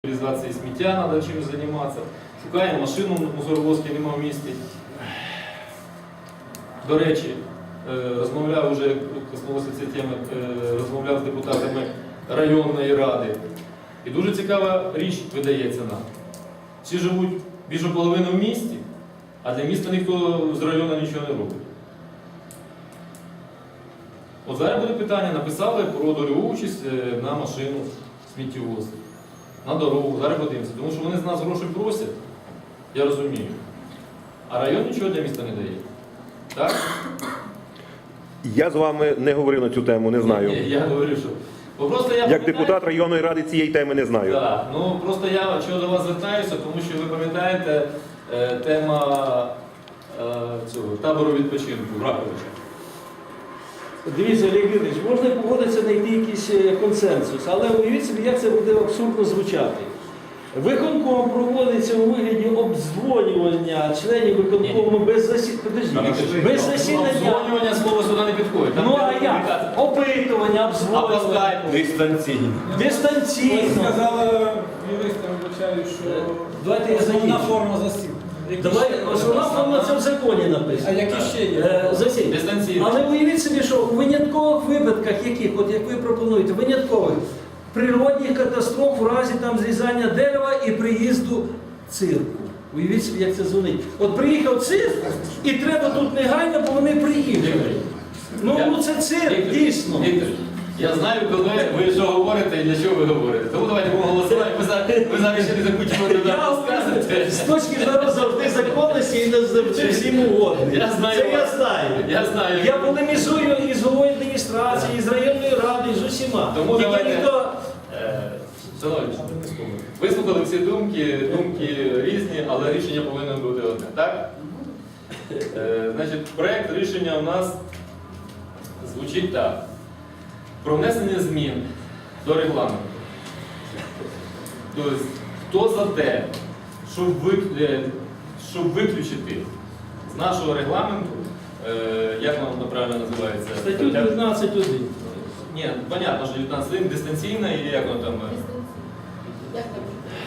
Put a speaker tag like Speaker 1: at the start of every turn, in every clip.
Speaker 1: Реалізації сміття, треба чимось займатися. Шукаємо машину, мусоровозки немає в місті. До речі, розмовляв вже, коснулося цієї теми, розмовляв з депутатами районної ради. І дуже цікава річ видається нам. Всі живуть більше половини в місті, а для міста ніхто з району нічого не робить. От зараз буде питання, написали про дольову участь на машину сміттєвоз, на дорогу, зараз подивимося. Тому що вони з нас гроші просять, я розумію. А район нічого для міста не дає. Так?
Speaker 2: Я з вами не говорив на цю тему, не знаю.
Speaker 1: Ні, я говорю, що... Просто я
Speaker 2: Як депутат районної ради цієї теми не знаю.
Speaker 1: Так, ну просто я чого до вас звертаюся, тому що ви пам'ятаєте тема цього табору відпочинку Раковича.
Speaker 3: Дивіться, Олег Юрійович, можна погодитися, знайти якийсь консенсус, але уявіть собі, як це буде абсурдно звучати. Виконком проводиться у вигляді обдзвонювання членів виконкому без засідання. Без засідання.
Speaker 1: Обдзвонювання слово сюди не підходить.
Speaker 3: Ну а як? Опитування,
Speaker 1: А по
Speaker 3: обдзвонювання.
Speaker 1: скайпу?
Speaker 2: Дистанційно.
Speaker 3: Дистанційно.
Speaker 4: Сказала юристам, вибачаю, що
Speaker 3: Давайте я
Speaker 4: основна
Speaker 3: закінчу.
Speaker 4: форма засів.
Speaker 3: Давай, основна форма це в законі
Speaker 4: А
Speaker 3: написано.
Speaker 4: які ще є?
Speaker 3: Засідання.
Speaker 1: Дистанційно.
Speaker 3: Але уявіть собі, що у виняткових випадках, яких, от як ви пропонуєте, виняткових, природних катастроф у разі там зрізання дерева і приїзду цирку. Уявіть собі, як це дзвонить. От приїхав цирк, і треба тут негайно, бо вони приїхали. Ну це цирк, дійсно.
Speaker 1: Віктор, я знаю, коли ви що говорите і для чого ви говорите. Тому давайте будемо голосувати, ви зараз ще не закінчимо
Speaker 3: Я говорю, з точки зору завжди законності і не завжди всім угодний.
Speaker 1: Я знаю
Speaker 3: Це я
Speaker 1: вас.
Speaker 3: знаю.
Speaker 1: Я знаю.
Speaker 3: Я полемізую із головою адміністрації, із районною радою, з усіма.
Speaker 1: Тому
Speaker 3: Тільки
Speaker 1: давайте-
Speaker 3: ніхто...
Speaker 1: Шановні, вислухали всі думки різні, але рішення повинно бути одне. Так? Значить, проєкт рішення у нас звучить так. Про внесення змін до регламенту. Тобто, хто за те, щоб виключити з нашого регламенту, як воно правильно називається?
Speaker 3: Статтю 19.1.
Speaker 1: Ні, понятно, що 19 дистанційна і як воно там?
Speaker 5: Як там?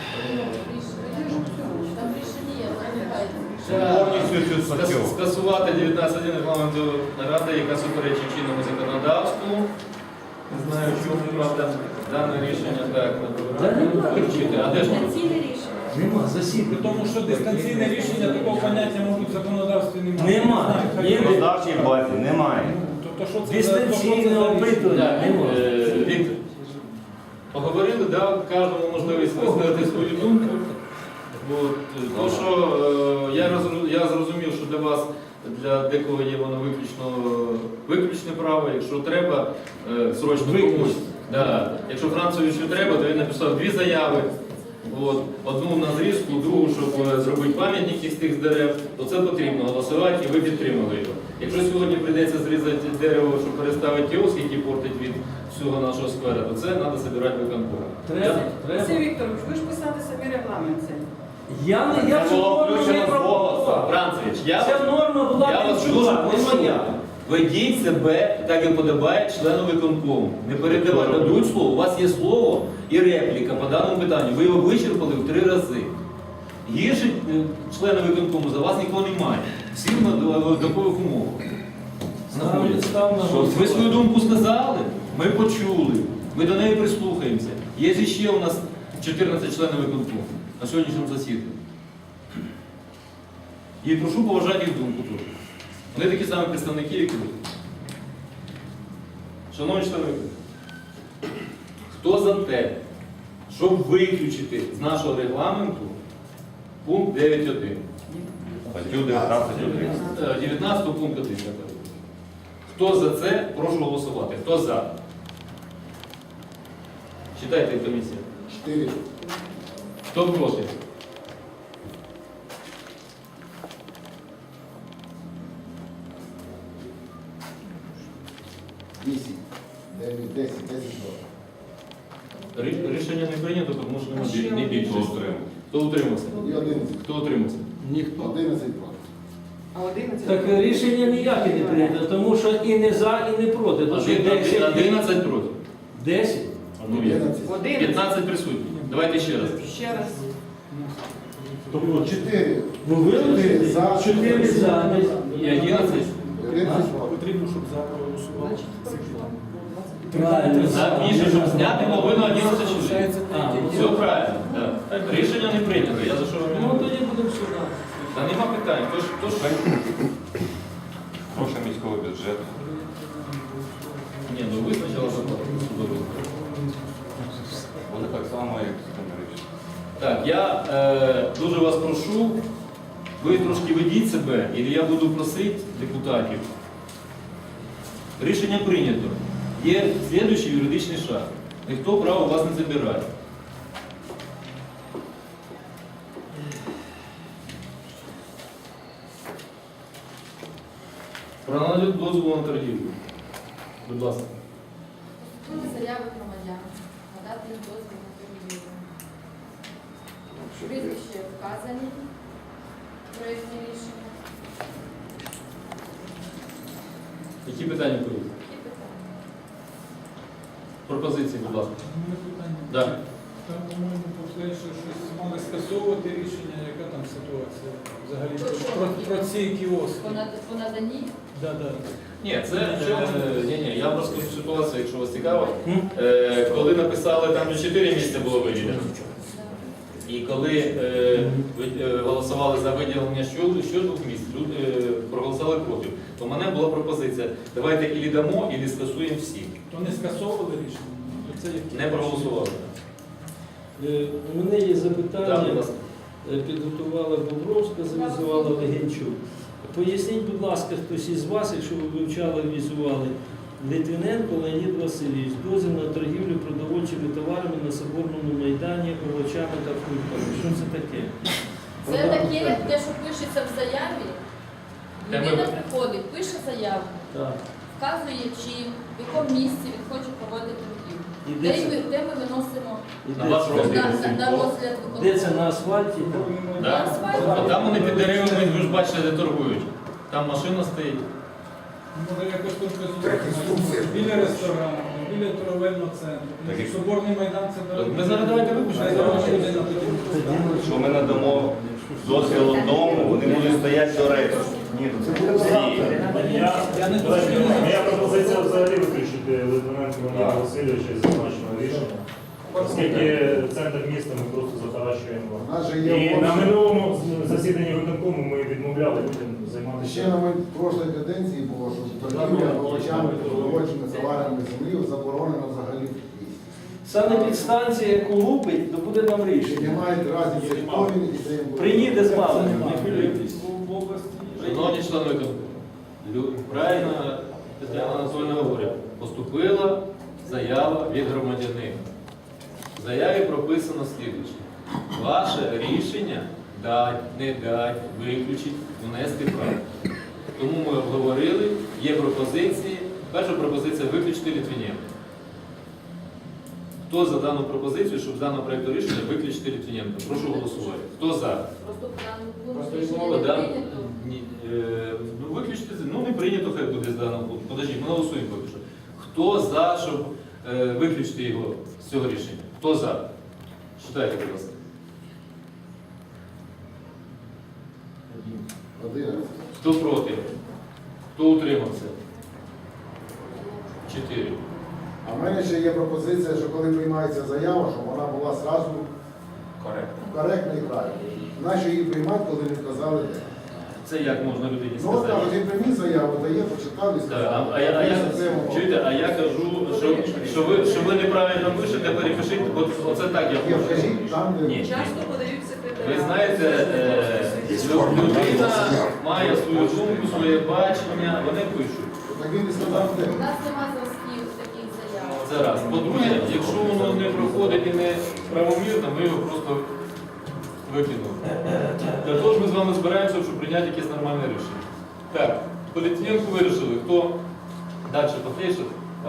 Speaker 5: Там рішення є, називається.
Speaker 2: Повністю цю статтю.
Speaker 1: Скасувати 19.1 регламенту ради, яка суперечить чинному законодавству. Не знаю, чому, правда, дане рішення так вивчити. А де ж воно?
Speaker 5: Дистанційне рішення.
Speaker 3: Нема
Speaker 4: При
Speaker 3: засідання.
Speaker 4: тому, що дистанційне рішення такого поняття, мабуть, в законодавстві немає.
Speaker 3: Нема. Є
Speaker 6: В законодавчій базі немає.
Speaker 4: Тобто, що це
Speaker 3: дистанційне
Speaker 4: за
Speaker 3: опитування.
Speaker 1: Так,
Speaker 3: Нема.
Speaker 1: Віктор, поговорили, дав кожному можливість висказати свою думку. От, то, що я зрозумів, що для вас, для декого є воно виключне право, якщо треба, срочно комусь. Да. Якщо Францовичу треба, то він написав 2 заяви. От, одну на зрізку, другу, щоб зробити пам'ятник із тих дерев, то це потрібно голосувати і ви підтримали його. Якщо сьогодні прийдеться зрізати дерево, щоб переставити кіоск, який портить від всього нашого сквера, то це треба збирати виконком.
Speaker 3: Треба.
Speaker 7: Олексій Вікторович, ви ж писали самі регламент цей.
Speaker 3: Я цю норму не пропонував.
Speaker 1: Францевич,
Speaker 3: Ця норма була
Speaker 1: я вас дуже
Speaker 3: відчула, не
Speaker 1: прошу.
Speaker 3: моя.
Speaker 1: Ведіть себе так, як подобає члену виконкому. Не передавайте, дадуть слово. У вас є слово і репліка по даному питанню. Ви його вичерпали в 3 рази. Гірше члени виконкому за вас нікого немає. Всі в однакових умовах. Ви свою думку сказали, ми почули, ми до неї прислухаємося. Є ще у нас 14 членів виконкому на сьогоднішньому засіданні. І прошу поважати їх думку теж. Вони такі самі представники, як і ви. Шановні члени, хто за те, щоб виключити з нашого регламенту пункт 9.1?
Speaker 2: Статтю 19.1.
Speaker 1: 19 пункт 1. Хто за це, прошу голосувати. Хто за? Читайте комісія.
Speaker 8: 4.
Speaker 1: Хто проти?
Speaker 8: Вісім. 9, 10, 10, 2.
Speaker 1: Рішення не прийнято, тому що не більше. Хто утримався?
Speaker 8: І 11.
Speaker 1: Хто утримався?
Speaker 3: Ніхто.
Speaker 8: 11 проти.
Speaker 7: А 11?
Speaker 3: Так рішення ніяке не прийнято, тому що і не за, і не проти. Тому що 10.
Speaker 1: 11 проти.
Speaker 3: 10?
Speaker 1: Ну, є.
Speaker 8: 11.
Speaker 7: 11.
Speaker 1: 15 присутні. Давайте ще раз.
Speaker 7: Ще раз.
Speaker 8: Тобто 4.
Speaker 3: Ви вилучите
Speaker 8: За.
Speaker 3: 4 за.
Speaker 1: І 11.
Speaker 8: 11.
Speaker 4: Потрібно, щоб за проголосували.
Speaker 3: Правильно.
Speaker 1: За більше, щоб зняти половину 11 чоловік.
Speaker 3: А,
Speaker 1: Все правильно. Да. Рішення не прийнято. Я за що вам
Speaker 3: Ну
Speaker 1: говорю?
Speaker 3: тоді будемо сюди.
Speaker 1: Та нема питань. Тож
Speaker 6: Гроші міського бюджету.
Speaker 1: ні, ну ви спочатку судовий.
Speaker 6: Буде так само, як Стемерич.
Speaker 1: Так, я дуже вас прошу, ви трошки ведіть себе, і я буду просити депутатів. Рішення прийнято. Є слідуючий юридичний шаг. Ніхто право у вас не забирає. Про надання дозволу на торгівлю. Будь ласка.
Speaker 5: Були заяви громадян, надати їм дозвіл на торгівлю. Прізвище вказані в проєкті рішення.
Speaker 1: Які питання будуть?
Speaker 5: Які питання?
Speaker 1: Пропозиції, будь ласка.
Speaker 4: Мене питання.
Speaker 1: Да.
Speaker 4: Там, по-моєму, повторює, що щось мали скасовувати рішення, яка там ситуація взагалі про ці кіоски.
Speaker 5: По наданні?
Speaker 4: Да.
Speaker 1: Ні, це ні, я просто ситуація, якщо вас цікаво, коли написали, там вже 4 місця було виділено. І коли голосували за виділення що 2 місць, люди проголосували проти, то в мене була пропозиція, давайте ілі дамо, ілі скасуємо всі.
Speaker 4: То не скасовували рішення? Це які?
Speaker 1: Не проголосували.
Speaker 3: У мене є
Speaker 1: Так,
Speaker 3: запитання.
Speaker 1: будь ласка.
Speaker 3: Підготувала Бобровська, завізувала Легенчук. Поясніть, будь ласка, хтось із вас, якщо ви вивчали, візували, Литвиненко Леонід Васильович, дозвіл на торгівлю продовольчими товарами на Соборному майдані, овочами та фруктами. Що це таке?
Speaker 5: Це таке, те, що пишеться в заяві. Людина приходить, пише заяву,
Speaker 3: Так.
Speaker 5: вказує, чим, в якому місці він хоче проводити торгівлю.
Speaker 3: І де це?
Speaker 5: Де ми виносимо
Speaker 3: І
Speaker 1: На
Speaker 3: де
Speaker 1: ваш
Speaker 3: це?
Speaker 1: розгляд.
Speaker 5: на розгляд
Speaker 3: Де це
Speaker 5: виконкому.
Speaker 3: на асфальті?
Speaker 1: Да. А там вони під деревами, ви ж бачите, де торгують. Там машина стоїть.
Speaker 4: Може якось конкретизувати біля ресторану, біля торговельного центру.
Speaker 6: Так, як-
Speaker 4: Соборний майдан це
Speaker 1: Ми зараз давайте випишемо.
Speaker 6: Що ми надамо дозвіл одному, вони будуть стояти до решти. Ні, ну це буде всі.
Speaker 4: Я не
Speaker 9: Моя пропозиція взагалі виключити Литвиненко Леоніда Васильовича із зазначеного рішення. Оскільки центр міста ми просто захаращуємо.
Speaker 8: У нас же
Speaker 9: І
Speaker 8: є
Speaker 9: на
Speaker 8: овочі.
Speaker 9: минулому засіданні виконкому ми відмовляли людям
Speaker 8: Ще
Speaker 9: займатися.
Speaker 8: на прошлій каденції було, що торгівля овочами, продовольчими товарами землі заборонено взагалі в місті.
Speaker 3: Санепідстанція, яку лупить, то буде нам
Speaker 8: Чи
Speaker 3: рішення.
Speaker 8: немає разниці, хто він і де він буде.
Speaker 3: Приїде з валом, не хвилюйтесь.
Speaker 4: в області.
Speaker 1: Шановні члени виконкому, правильно Тетяна Анатольовна говорить, поступила заява від громадянина. В заяві прописано слідуюче. Ваше рішення дать, не дать, виключить, внести право. Тому ми обговорили, є пропозиції. Перша пропозиція виключити Литвиненка. Хто за дану пропозицію, щоб з даного проєкту рішення виключити Литвиненка? Прошу голосувати. Хто за?
Speaker 5: Просто по даному пункту
Speaker 1: Просто
Speaker 5: рішення
Speaker 1: відмова,
Speaker 5: не
Speaker 1: да?
Speaker 5: прийнято.
Speaker 1: Ні, ну виключити, ну не прийнято, хай буде з даного пункту. Подожди, ми голосуємо поки що. Хто за, щоб виключити його з цього рішення? Хто за? Читайте, будь ласка.
Speaker 8: 11.
Speaker 1: Хто проти? Хто утримався? 4.
Speaker 8: А в мене ще є пропозиція, що коли приймається заява, щоб вона була зразу коректна і правильна. Нащо її приймати, коли не вказали де?
Speaker 1: Це як можна людині
Speaker 8: Ну от так,
Speaker 1: сказати?
Speaker 8: от він прийміть заяву, дає, почитав і
Speaker 1: Так,
Speaker 8: сказав.
Speaker 1: чуєте, а я кажу, що ви неправильно пишете, перепишіть, оце так я
Speaker 8: Є,
Speaker 1: хочу.
Speaker 8: вкажіть там, де...
Speaker 1: Ні.
Speaker 7: Часто подають секретаря.
Speaker 1: Ви знаєте, людина має свою думку, своє бачення, вони пишуть.
Speaker 8: Так він і сказав, де.
Speaker 5: У нас нема зразків таких заяв.
Speaker 1: Це раз. По-друге, якщо воно не проходить і не правомірно, ми його просто викинули. Для того ж ми з вами збираємося, щоб прийняти якесь нормальне рішення. Так, по Литвиненку вирішили, хто далі пофейшить?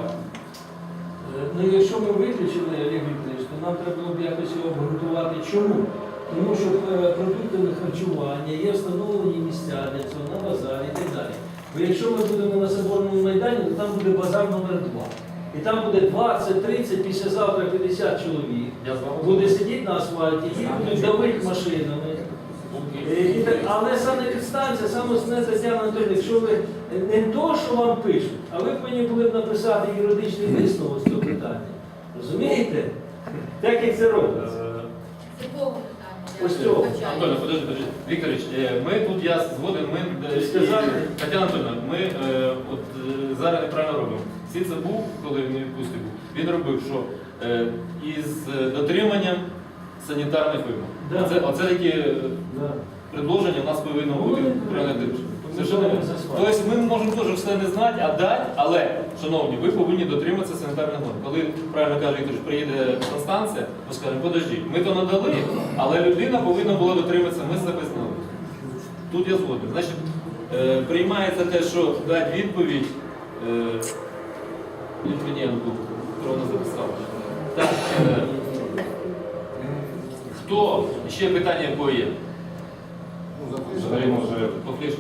Speaker 3: Ну, якщо ми виключили, Олег Вікторович, то нам треба було б якось його обґрунтувати. Чому? Тому що продуктами харчування є встановлені місця для цього на базарі і так далі. Бо якщо ми будемо на Соборному майдані, то там буде базар номер 2. і там буде 20, 30, післязавтра 50 чоловік.
Speaker 1: Я з вами
Speaker 3: Буде сидіти на асфальті, їх будуть давити машинами. Але санепідстанція, саме основне, Тетяна Анатоліївна, якщо ви не то, що вам пишуть, а ви повинні були б написати юридичний висновок з цього питання. Розумієте? Так як це робиться.
Speaker 5: З якого питання?
Speaker 3: Ось цього.
Speaker 1: Антоне, подожди. Вікторович, ми тут, я згоден,
Speaker 3: Сказали.
Speaker 1: Тетяна Анатольовна, ми зараз неправильно робимо. Сіце був, коли він у відпустці був, він робив, що із дотриманням санітарних вимог.
Speaker 3: Да.
Speaker 1: Оце такі
Speaker 3: Да.
Speaker 1: предложення у нас повинно бути
Speaker 3: Ну,
Speaker 1: прийняти.
Speaker 3: ми
Speaker 1: Совершенно
Speaker 3: за
Speaker 1: вірно.
Speaker 3: склад.
Speaker 1: Тобто ми можемо теж все не знати, а дати, але, шановні, ви повинні дотриматися санітарних норм. Коли, правильно каже Вікторович, приїде санстанція, ми скажемо, подождіть, ми то надали, але людина повинна була дотриматися, ми себе знали. Тут я згоден. Значить, приймається те, що дати відповідь Літвіненку, хто вона записала. Так, хто? Ще питання якого є?
Speaker 6: Взагалі може
Speaker 1: По флешці.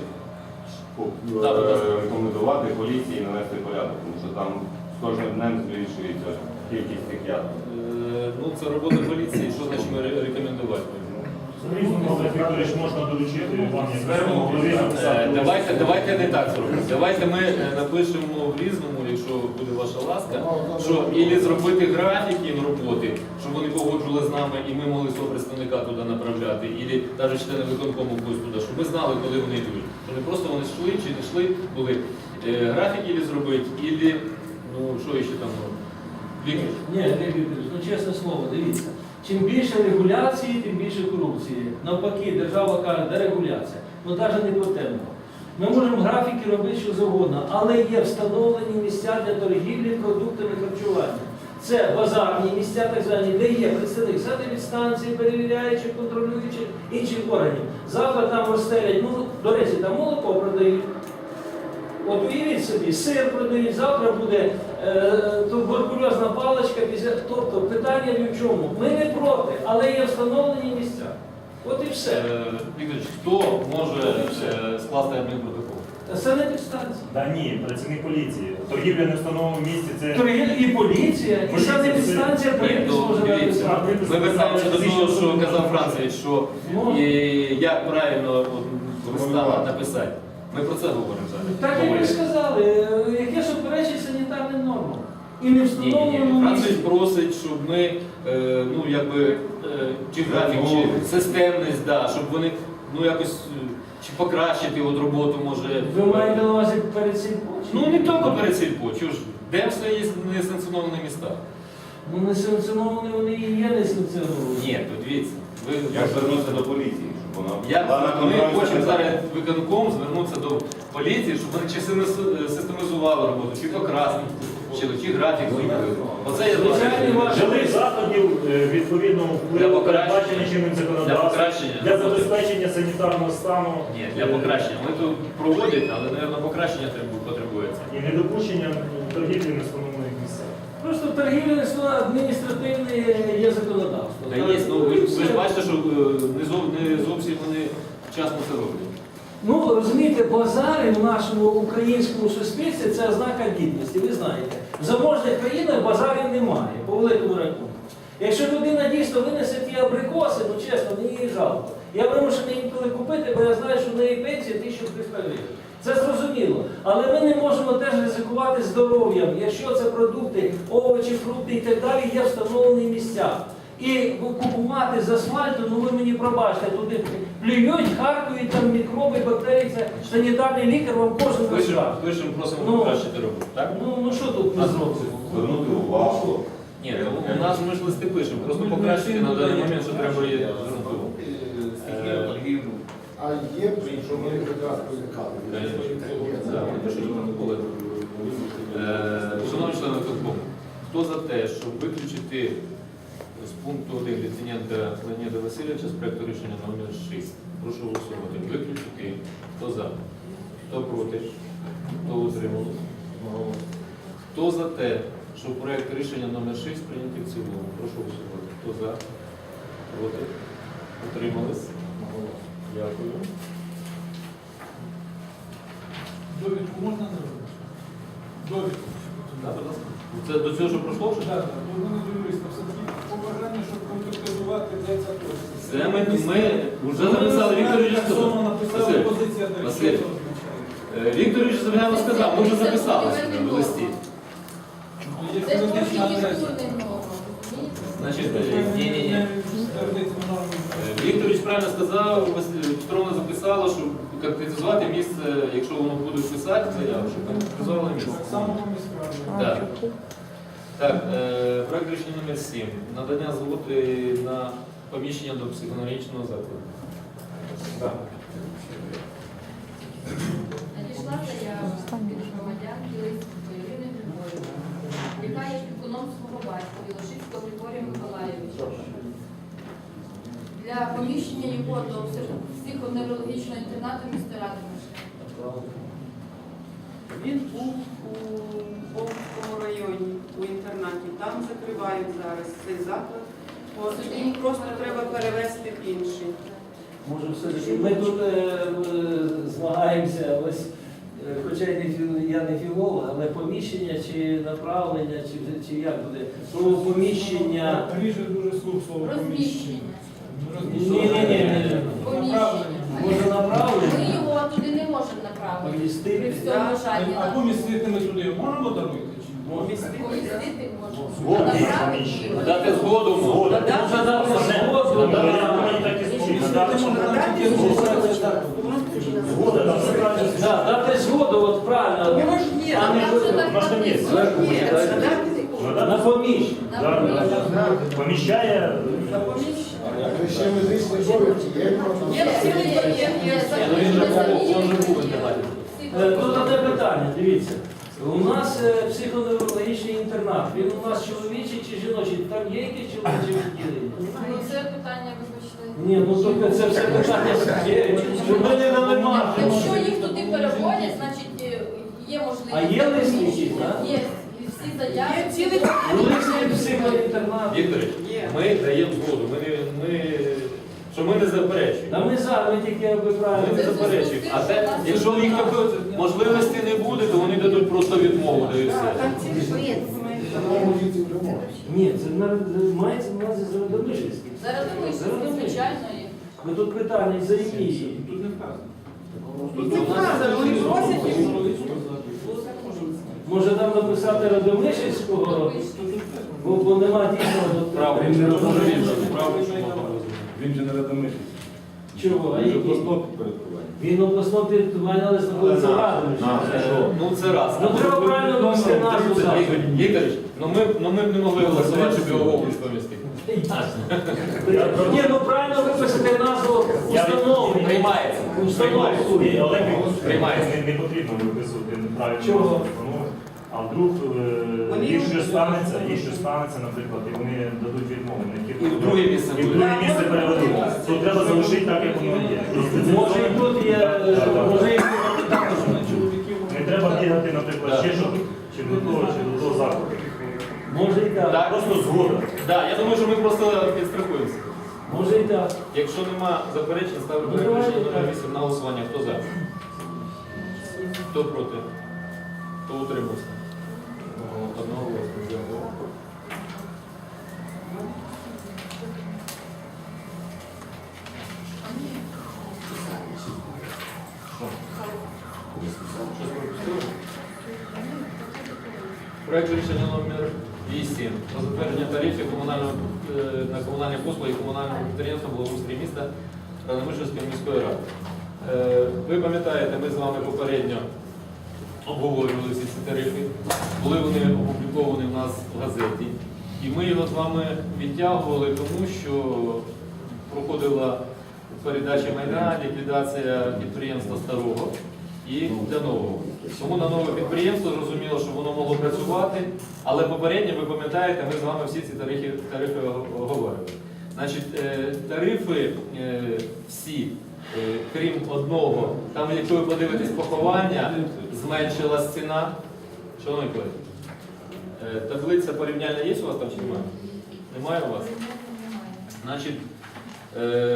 Speaker 6: рекомендувати поліції навести порядок, тому що там з кожним днем збільшується кількість цих ядер.
Speaker 1: Ну, це робота поліції, що значить ми рекомендувати?
Speaker 9: Різному, Олег Вікторович, можна доручити вам, як міському голові, написати.
Speaker 1: Давайте не так зробимо. Давайте ми напишемо в різному, якщо буде ваша ласка, що ілі зробити графіки роботи, щоб вони погоджували з нами і ми могли свого представника туди направляти, ілі навіть члени виконкому когось туди, щоб ми знали, коли вони йдуть. Що не просто вони йшли чи не йшли, були графіки ілі зробити, ілі, ну що ще там робити. Віктор.
Speaker 3: Ні, Олег Вікторович, ну чесне слово, дивіться. Чим більше регуляції, тим більше корупції. Навпаки, держава каже, дерегуляція. Ну навіть не про те. Ми можемо графіки робити що завгодно, але є встановлені місця для торгівлі продуктами харчування. Це базарні місця, так звані, де є представник санепідстанції, перевіряючих, контролюючих, інших органів. Завтра там розстелять, ну, до речі, там молоко продають. От уявіть собі, сир продають, завтра буде туберкульозна паличка, тобто питання ні в чому. Ми не проти, але є встановлені місця. От і все.
Speaker 1: Вікторович, хто може скласти адмінпротокол?
Speaker 3: Санепідстанція.
Speaker 9: Та ні, працівник поліції. Торгівля не в встановленому місці, це...
Speaker 3: І поліція, і
Speaker 9: Поліція,
Speaker 3: санепідстанція
Speaker 1: Ні,
Speaker 3: припис
Speaker 1: ну,
Speaker 3: може
Speaker 1: дивіться,
Speaker 3: написати.
Speaker 1: ми вертаємося до того, що казав Францевич, що як правильно листа написати. Ми про це говоримо зараз.
Speaker 3: Так як ви сказали, яке суперечить санітарним нормам. І не
Speaker 1: Ні.
Speaker 3: встановленому
Speaker 1: Францевич
Speaker 3: місці.
Speaker 1: просить, щоб ми, ну якби, чи графік, чи системність, да, щоб вони, ну якось, чи покращити от роботу, може.
Speaker 3: Ви маєте на увазі перед цим
Speaker 1: Ну не тільки перед сільпо, чого ж, де все є несанкціоновані міста?
Speaker 3: Ну несанкціоновані вони і є несанкціоновані.
Speaker 1: Ні, то дивіться, ви
Speaker 6: Як звернутися до поліції, щоб вона була на
Speaker 1: ми
Speaker 6: контролі
Speaker 1: хочемо
Speaker 6: за
Speaker 1: зараз виконком звернутися до поліції, щоб вони чи систематизували роботу, чи покрасили, чи графік зробили. Оце я
Speaker 3: Звичайно,
Speaker 1: бачу.
Speaker 9: Вжили заходів відповідно
Speaker 1: Для
Speaker 9: впливу,
Speaker 1: покращення.
Speaker 9: передбачені чинним
Speaker 1: Для
Speaker 9: законодавством,
Speaker 1: покращення.
Speaker 9: для забезпечення санітарного стану
Speaker 1: Ні, для покращення. Ми тут проводять, але, мабуть, покращення потребується.
Speaker 9: і недопущення торгівлі на встановлених місцях.
Speaker 3: Просто торгівля адміністративне є законодавство.
Speaker 1: Та є, ну, ви ж бачите, що не зовсім вони вчасно це роблять.
Speaker 3: Ну, розумієте, базари в нашому українському суспільстві це ознака гідності, ви знаєте. В заможних країнах базарів немає, по великому рахунку. Якщо людина дійсно винесе ті абрикоси, ну чесно, мені її жалко. Я вимушений інколи купити, бо я знаю, що в неї пенсія 1300 гривень. Це зрозуміло. Але ми не можемо теж ризикувати здоров'ям, якщо це продукти, овочі, фрукти і так далі, є встановлені місця. І купувати з асфальту, ну ви мені пробачте, туди плюють, харкують, там мікроби, бактерії, це санітарний лікар вам кожен розкаже.
Speaker 1: Пишемо, просимо
Speaker 3: Ну,
Speaker 1: покращити роботу, так?
Speaker 3: Ну що тут ми зробимо?
Speaker 6: звернути увагу.
Speaker 1: Ні, ну, у нас ми ж листи пишемо, просто покращити на даний момент, що треба є звернути увагу.
Speaker 8: А є, що ми якраз призикали.
Speaker 1: Шановні члени виконкому, хто за те, щоб виключити з пункту 1 Літвіненка Леоніда Васильовича з проекту рішення номер 6? Прошу голосувати. Виключити. Хто за? Хто проти? Хто утримався? Хто за те, щоб проект рішення номер 6 прийняти в цілому? Прошу голосувати. Хто за? Проти? Утримались? Дякую.
Speaker 4: Довідку можна не робити? Довідку.
Speaker 1: Да, будь ласка. Це до цього, що пройшло вже?
Speaker 4: Так, вони юристи, все-таки побажання, щоб конкретизувати, де ця точка.
Speaker 1: Це ми вже написали, Віктор Ілліч сказав.
Speaker 4: Написали позиція, до
Speaker 1: Василь.
Speaker 4: речі, що це означає.
Speaker 1: Віктор Ілліч Завгайло сказав, ми вже записали в листі.
Speaker 4: Є
Speaker 5: Це ж
Speaker 4: юридична
Speaker 5: трошки
Speaker 4: адреса.
Speaker 5: культурний норм, розумієте?
Speaker 1: Значить,
Speaker 4: Не
Speaker 1: ні.
Speaker 4: твердиться норми.
Speaker 1: Віктор Ілліч правильно сказав, Петровна записала, щоб конкретизувати місце, якщо воно буде писати заяву, щоб конкретизували місце.
Speaker 4: Так само по міськраді.
Speaker 1: Так. Так, проект рішення номер 7. Надання згоди на поміщення до психоневрологічного закладу.
Speaker 5: Надійшла заява від громадянки Лисицької Ірини Григорівни, яка є опікуном свого батька Білошицького Григорія Миколаєвича. Для поміщення його до психоневрологічного інтернату міста Радомишля.
Speaker 7: Він був у Бовському районі, у інтернаті. Там закривають зараз цей заклад. От, їм просто треба перевести в інший.
Speaker 3: Може, все-таки ми тут змагаємося, ось, хоча я не філолог, але поміщення чи направлення, чи як буде? Слово поміщення.
Speaker 4: Ріже дуже слух слово
Speaker 5: Розміщення.
Speaker 3: Ні.
Speaker 5: Поміщення.
Speaker 3: Може
Speaker 5: Ми
Speaker 3: направлення?
Speaker 5: його туди не можемо направити. При
Speaker 3: Помістити?
Speaker 5: всьому бажанні.
Speaker 4: А помістити ми туди можемо дарувати? чи ні?
Speaker 5: Помістити можемо.
Speaker 9: Згодні
Speaker 5: А направити
Speaker 9: поміщення.
Speaker 5: його.
Speaker 1: Дати згоду.
Speaker 9: Згода.
Speaker 3: Може дати згоду,
Speaker 9: Ну,
Speaker 3: да.
Speaker 9: я думаю, так і звучить. Надати згода, там закладено.
Speaker 3: Да, дати згоду, от правильно.
Speaker 7: Його ж є.
Speaker 3: А не
Speaker 5: Там же так
Speaker 9: Можна
Speaker 5: написано.
Speaker 7: Є, надати
Speaker 3: на поміщення.
Speaker 5: На поміщення.
Speaker 9: Поміщає.
Speaker 5: На поміщення.
Speaker 8: Ви ще медичні довідки є?
Speaker 7: Є цілий пакет, є
Speaker 1: Ну, він же був в інтернаті.
Speaker 3: Тут одне питання, дивіться. У нас психоневрологічний інтернат. Він у нас чоловічий чи жіночий? Там є якісь чоловічі відділення?
Speaker 5: Ну, це питання вибачте.
Speaker 3: Ні, ну тільки це все питання є. Щоб ми не дали маржу.
Speaker 5: Якщо їх туди переводять, значить є можливість.
Speaker 3: А є лист якийсь, так?
Speaker 5: Є. І всі заяви.
Speaker 7: Є цілий
Speaker 3: Лист психоінтернат.
Speaker 1: Вікторович,
Speaker 7: Є.
Speaker 1: ми даємо згоду, що ми не заперечуємо.
Speaker 3: Та ми за, ми тільки аби
Speaker 1: Ми
Speaker 3: правильно.
Speaker 1: не заперечуємо. А те, якщо в них такої можливості не буде, то вони дадуть просто відмову, да і все.
Speaker 7: Там цілий пакет документів.
Speaker 8: Самому житті вже можна.
Speaker 3: Ні, це мається на увазі Зародомишльський.
Speaker 5: Зараз думаю, звичайно є.
Speaker 3: Ми тут питання за які.
Speaker 4: Тут не вказано.
Speaker 7: Тут не вказано, вони просять їх.
Speaker 3: Може там написати Радомишльського, бо нема дійсного
Speaker 1: Право,
Speaker 3: права.
Speaker 1: він не розуміє, право, що можна розуміти.
Speaker 6: Він же не радомишль.
Speaker 3: Чого? А які? Він обласного підпорядкування, але знаходиться в Радомишлі.
Speaker 1: Ну це раз.
Speaker 3: Ну треба правильно вивести назву закладу.
Speaker 1: Вікторович, ну ми б не могли голосувати, щоб його в область помістити.
Speaker 3: Ні, ну правильно виписати назву установи.
Speaker 1: Приймається.
Speaker 3: Установи.
Speaker 9: Ні, Олег
Speaker 1: Приймається.
Speaker 9: не потрібно виписувати неправильно.
Speaker 3: Чого?
Speaker 9: Ну, а вдруг
Speaker 7: Вони
Speaker 9: їх що
Speaker 7: його
Speaker 9: станеться, наприклад, і вони дадуть відмову.
Speaker 1: І в друге місце
Speaker 9: І в
Speaker 1: буде.
Speaker 9: друге місце переведуть. То треба залишити так, як воно є.
Speaker 3: Може і тут є, може і
Speaker 9: Не треба бігати, наприклад, ще що, чи до того закладу.
Speaker 3: може і так.
Speaker 1: Так.
Speaker 9: Просто згода.
Speaker 1: Так, я думаю, що ми просто підстрахуємося.
Speaker 3: Може і так.
Speaker 1: Якщо нема заперечень, ставлю
Speaker 3: Ну,
Speaker 1: проект рішення
Speaker 3: давайте
Speaker 1: номер
Speaker 3: так.
Speaker 1: 8 на голосування. Хто за? Хто проти? Хто утримався? Одного голосу. Дякую. Щось пропустили? Проект рішення номер 8 про затвердження тарифів на комунальні послуги комунального підприємства благоустрій міста Радомишльської міської ради. Ви пам'ятаєте, ми з вами попередньо обговорювали всі ці тарифи, були вони опубліковані в нас в газеті. І ми його з вами відтягували, тому що проходила передача майна, ліквідація підприємства старого і для нового. Тому на нове підприємство зрозуміло, що воно могло працювати, але попередньо, ви пам'ятаєте, ми з вами всі ці тарифи оговорювали. Значить, тарифи всі, крім одного, там, якщо ви подивитесь поховання, зменшилась ціна. Шановні колеги, таблиця порівняльна є у вас там чи немає? Немає у вас? Значить,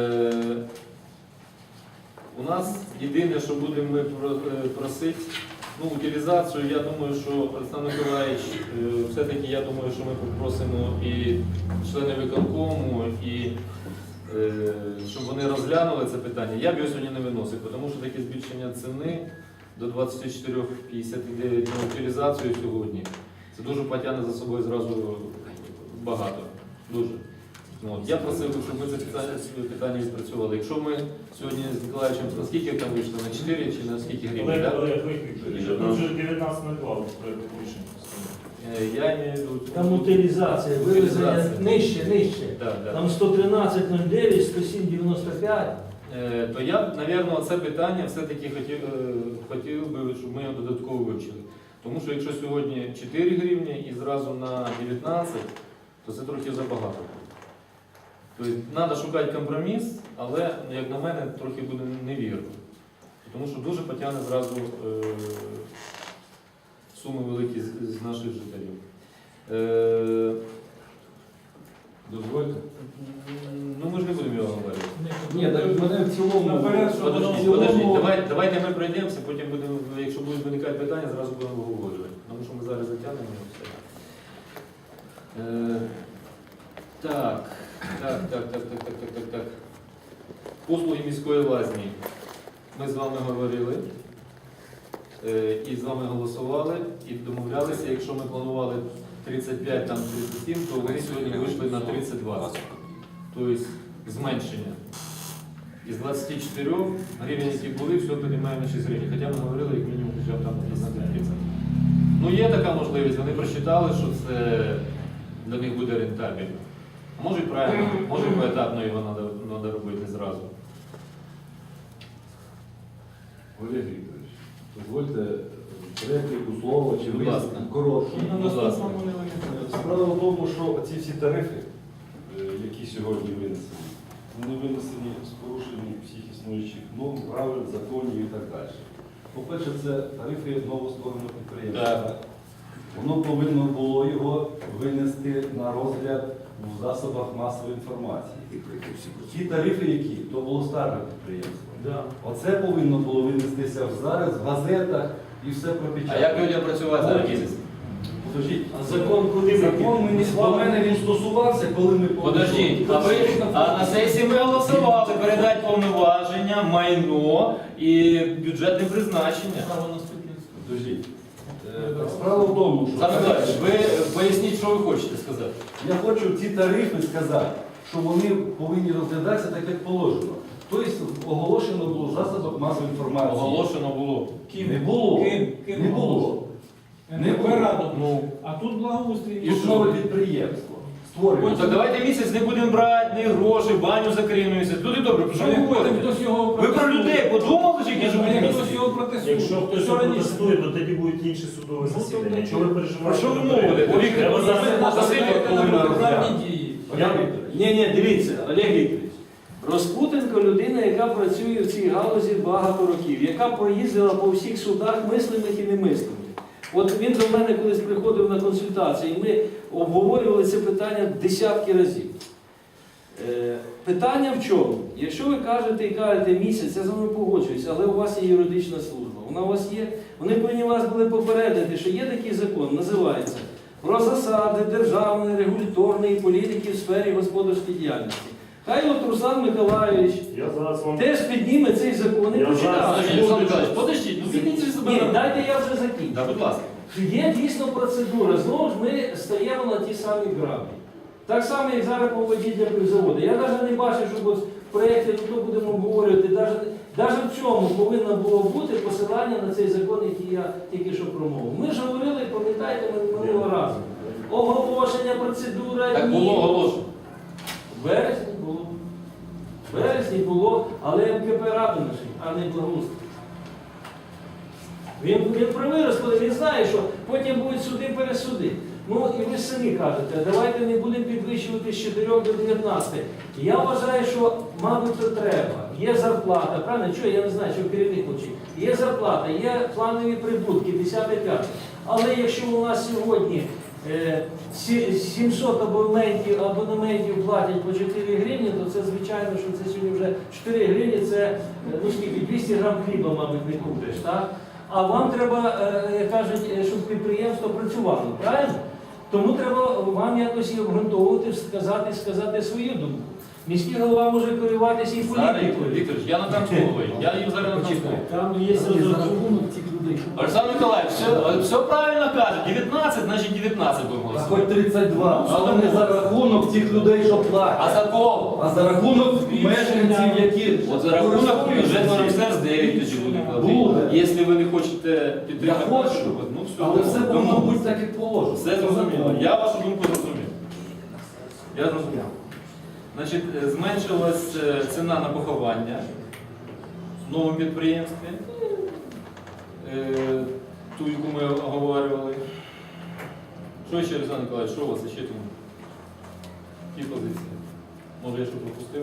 Speaker 1: у нас єдине, що будемо ми просити, Ну, утилізацію, я думаю, що Олександр Миколаївич, все-таки я думаю, що ми попросимо і члени виконкому, і щоб вони розглянули це питання. Я б його сьогодні не виносив, тому що таке збільшення ціни до 24,59 на утилізацію сьогодні, це дуже потягне за собою зразу багато. Дуже. От. Я просив, щоб ми це питання відпрацювали. Якщо ми сьогодні з Миколаївичем, наскільки там вийшло, на 4 чи на скільки гривень? Так?
Speaker 9: Тут вже 19.02 проєкту рішення.
Speaker 1: Я маю в виду...
Speaker 3: Там утилізація, вивезення нижче.
Speaker 1: Да.
Speaker 3: Там 113,09, 107,95.
Speaker 1: То я, мабуть, це питання все-таки хотів би, щоб ми його додатково вивчили. Тому що якщо сьогодні 4 гривні і зразу на 19, то це трохи забагато. Тобто треба шукати компроміс, але, як на мене, трохи буде невірно. Тому що дуже потягне зразу суми великі з наших жителів.
Speaker 10: Дозвольте.
Speaker 1: Ну ми ж не будемо його говорити.
Speaker 3: Ні, так мене в цілому...
Speaker 4: Наперед, що
Speaker 1: Подождіть, давайте ми пройдемося, потім будемо, якщо будуть виникати питання, зразу будемо обговорювати. Тому що ми зараз затягнемо все. Так. Послуги міської лазні. Ми з вами говорили і з вами голосували, і домовлялися, якщо ми планували 35, там 37, то вони сьогодні вийшли на 32. Тобто зменшення. Із 24 гривень, які були, все піднімаємо на 6 гривень. Хоча ми говорили, як мінімум, хоча б там на 30. Ну є така можливість, вони просчитали, що це для них буде рентабельно. Може правильно, може поетапно його треба робити зразу.
Speaker 10: Олег Вікторович, дозвольте репліку, слово чи
Speaker 1: Будь ласка.
Speaker 10: коротку.
Speaker 1: Будь ласка.
Speaker 10: Справа в тому, що ці всі тарифи, які сьогодні винесені, вони винесені з порушенням всіх існуючих норм, правил, законів і так далі. По-перше, це тарифи новоствореного підприємства.
Speaker 1: Так.
Speaker 10: Воно повинно було його винести на розгляд у засобах масової інформації. Ті тарифи, які, то було старе підприємство.
Speaker 3: Да.
Speaker 10: Оце повинно було винестися зараз в газетах і все
Speaker 1: А
Speaker 10: пропечатати.
Speaker 1: як людям працювати за місяць?
Speaker 10: Подождіть.
Speaker 3: А закон куди
Speaker 10: Закон мені до мене він стосувався, коли ми
Speaker 1: Подождіть, а на сесії ми голосували передати повноваження, майно і бюджетне призначення.
Speaker 10: Подождіть. Справа в тому, що
Speaker 1: Саме Миколаївич, ви поясніть, що ви хочете сказати.
Speaker 10: я хочу ці тарифи сказати, що вони повинні розглядатися так, як положено. Тобто оголошено було в засобах масової інформації.
Speaker 1: Оголошено було.
Speaker 10: Не було.
Speaker 4: Ким
Speaker 10: Не було. Не було.
Speaker 1: Ну,
Speaker 4: А тут благоустрій.
Speaker 10: І нове підприємство
Speaker 1: ну
Speaker 10: створюється.
Speaker 1: так давайте місяць не будемо брати ні гроші, баню закриємо місяць. Люди добре, про що ви говорите?
Speaker 4: Хтось його
Speaker 1: Ви про людей подумали, чи які живуть
Speaker 4: Хтось
Speaker 1: місяці?
Speaker 4: його протестує.
Speaker 9: Якщо хтось
Speaker 4: Що раніше?
Speaker 9: протестує, то тоді будуть інші судові засідання. Чого ви
Speaker 1: Про
Speaker 9: переживаєте?
Speaker 1: що ви мовите? Віктор,
Speaker 9: Треба зараз
Speaker 1: Василь повинна розглядати.
Speaker 4: дії.
Speaker 10: Олег Вікторович,
Speaker 3: Ні, дивіться, Олег Вікторович. Розпутенко людина, яка працює в цій галузі багато років, яка проїздила по всіх судах мислених і немислених. От він до мене колись приходив на консультації, і ми обговорювали це питання десятки разів. Питання в чому? Якщо ви кажете місяць, я з вами погоджуюся, але у вас є юридична служба, вона у вас є, вони повинні вас були попередити, що є такий закон, називається «Про засади державної регуляторної політики в сфері господарської діяльності». Хай от Руслан Миколаївич
Speaker 9: Я зараз вам...
Speaker 3: теж підніме цей закон і
Speaker 9: Я
Speaker 3: почитає.
Speaker 1: Подождіть, Олександр Миколаївич, подождіть, ну підіть же себе.
Speaker 3: Ні, дайте я вже закінчу.
Speaker 1: Так, будь ласка.
Speaker 3: Є дійсно процедура, знову ж ми стаємо на ті самі граблі. Так само, як зараз по воді для пивзаводу. Я навіть не бачу, щоб от в проєкті тут будемо обговорювати, навіть в цьому повинно було бути посилання на цей закон, який я тільки що промовив. Ми ж говорили, пам'ятаєте, минулого разу. Оголошення, процедура,
Speaker 1: Так було оголошено.
Speaker 3: В вересні було. В вересні було, але МКП Радомишль, а не Благоустрій. Він правий розповідає, він знає, що потім будуть суди-пересуди. Ну і ви самі кажете, давайте не будемо підвищувати з 4 до 19. Я вважаю, що, мабуть, то треба. Є зарплата, правильно? Чого, я не знаю, що керівник хоче. Є зарплата, є планові прибутки, 10-5. Але якщо у нас сьогодні 700 абонементів платять по 4 гривні, то це звичайно, що це сьогодні вже 4 гривні, це ну скільки, 200 грам хліба, мабуть, не купиш, так? а вам треба, як кажуть, щоб підприємство працювало, правильно? Тому треба вам якось і обґрунтовувати, сказати свою думку. Міський голова може керуватися і
Speaker 1: Зараз,
Speaker 3: політикою.
Speaker 1: Вікторович, я на Камського, я їм зараз на Камського.
Speaker 3: Там є розрахунок цих людей.
Speaker 1: Олександр Миколаївич, все правильно каже, 19, значить 19 будемо
Speaker 10: А
Speaker 1: голосувати.
Speaker 10: хоч 32, але не за рахунок тих людей, що платять.
Speaker 1: А за кого?
Speaker 10: А за рахунок мешканців, які
Speaker 1: От за рахунок
Speaker 10: користуються
Speaker 1: бюджетного
Speaker 10: цим.
Speaker 1: міністерства 9 тоді буде
Speaker 10: Буде.
Speaker 1: платити. Якщо ви не хочете
Speaker 10: Я
Speaker 1: підтримати,
Speaker 10: хочу,
Speaker 1: ну все,
Speaker 10: але все повинно
Speaker 1: домовились.
Speaker 10: бути так, як положено.
Speaker 1: Все зрозуміло. Я вашу думку зрозумів. Я зрозумів. Значить, зменшилась ціна на поховання в новому підприємстві, ту, яку ми оговорювали. Що ще, Олександр Миколаївич, що у вас ще тому? Які позиції? Може, я що пропустив?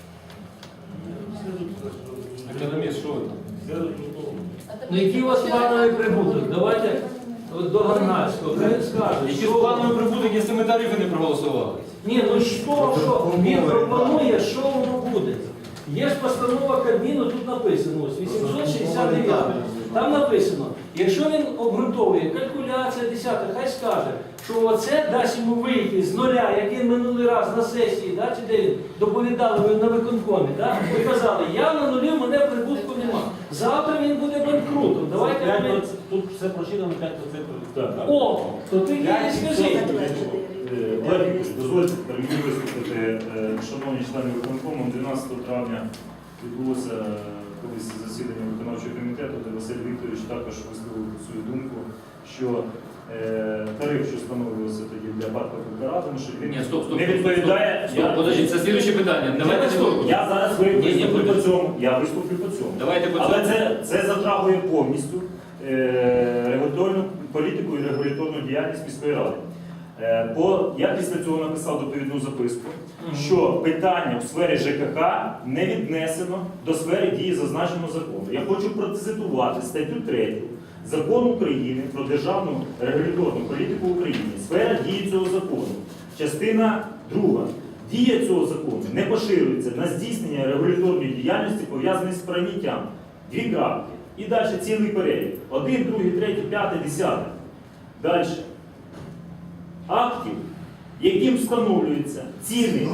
Speaker 1: Економіст, що ви там?
Speaker 3: Ну які у вас плановий прибуток? Давайте от до Гарнальського, хай скаже,
Speaker 1: Які
Speaker 3: що
Speaker 1: плановий прибуток, якщо ми тарифи не проголосували?
Speaker 3: Ні, ну що він пропонує, що воно буде? Є ж постанова Кабміну, тут написано, ось 869. Там написано, якщо він обґрунтовує калькуляція 10, хай скаже, що оце дасть йому вийти з нуля, як він минулий раз на сесії, да, чи де він доповідали ви на виконкомі, да, і казали, я на нулі, в мене прибутку нема. Завтра він буде банкрутом. Давайте ми...
Speaker 10: Тут все прочитано 5%.
Speaker 3: О, то ти не скажи.
Speaker 9: Владимир, дозвольте мені виступити, шановні члени виконкому, 12 травня відбулося колись засідання виконавчого комітету, де Василь Вікторович також висловив свою думку, що тариф, що встановлювався тоді для ПАТ ПКК, тому що він
Speaker 1: Ні, стоп.
Speaker 9: не відповідає.
Speaker 1: Стоп, подождіть, це слідуюче питання. Давайте не торкнемо.
Speaker 9: Я зараз виступлю по цьому. Я виступлю по цьому.
Speaker 1: Давайте по
Speaker 9: Але
Speaker 1: цьому.
Speaker 9: це затрагує повністю регуляторну політику і регуляторну діяльність міської ради. Я після цього написав доповідну записку, що питання у сфері ЖКХ не віднесено до сфери дії зазначеного закону. Я хочу процитувати статтю 3 Закону України про державну регуляторну політику України. Сфера дії цього закону. Частина 2. Дія цього закону не поширюється на здійснення регуляторної діяльності, пов'язаної з прийняттям. 2 крапки. І далі цілий перелік. 1, 2, 3, 5, 10. Далі. Актів, яким встановлюються ціни,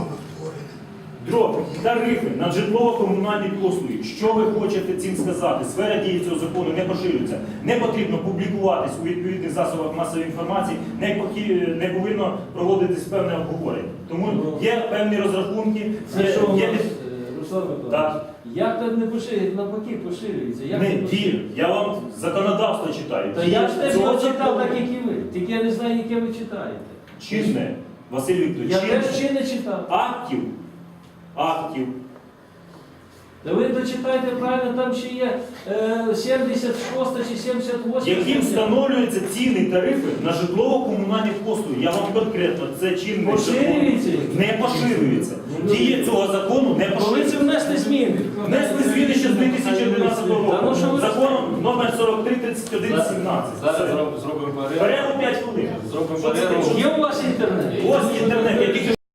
Speaker 9: тарифи на житлово-комунальні послуги. Що ви хочете цим сказати? Сфера дії цього закону не поширюється. Не потрібно публікуватись у відповідних засобах масової інформації, не повинно проводитись певне обговорення. Тому є певні розрахунки.
Speaker 3: Це що у
Speaker 9: є-
Speaker 3: нас, Руслан Миколаївич,
Speaker 9: Так.
Speaker 3: як так не поширюється, навпаки поширюється? Як
Speaker 9: Не
Speaker 3: це поширюється?
Speaker 9: дію. Я вам законодавство читаю.
Speaker 3: Та я ж теж
Speaker 9: Цього
Speaker 3: його читав,
Speaker 9: закону.
Speaker 3: так як і ви. Тільки я не знаю, яке ви читаєте.
Speaker 9: Чинне, Василь Вікторович,
Speaker 3: Я
Speaker 9: чинне.
Speaker 3: теж ще не читав.
Speaker 9: Актів.
Speaker 3: Та ви дочитайте правильно, там ще є 76 чи 78.
Speaker 9: Яким встановлюються ціни і тарифи на житлово-комунальні послуги. Я вам конкретно, це чинний
Speaker 3: Поширюється?
Speaker 9: закон. Не поширюється. Дія цього закону не
Speaker 3: Коли це
Speaker 9: поширюється.
Speaker 3: внесли зміни?
Speaker 9: Внесли зміни ще з 2011
Speaker 3: Та ну що
Speaker 9: року.
Speaker 3: ви
Speaker 9: Законом номер 43/31/17.
Speaker 1: Зараз
Speaker 9: Все.
Speaker 1: зробимо перерву.
Speaker 9: Перерву 5 хвилин.
Speaker 1: Зробимо
Speaker 9: Що це
Speaker 1: перерву.
Speaker 9: таке?
Speaker 3: Є у вас інтернет?
Speaker 9: Ось інтернет, я тільки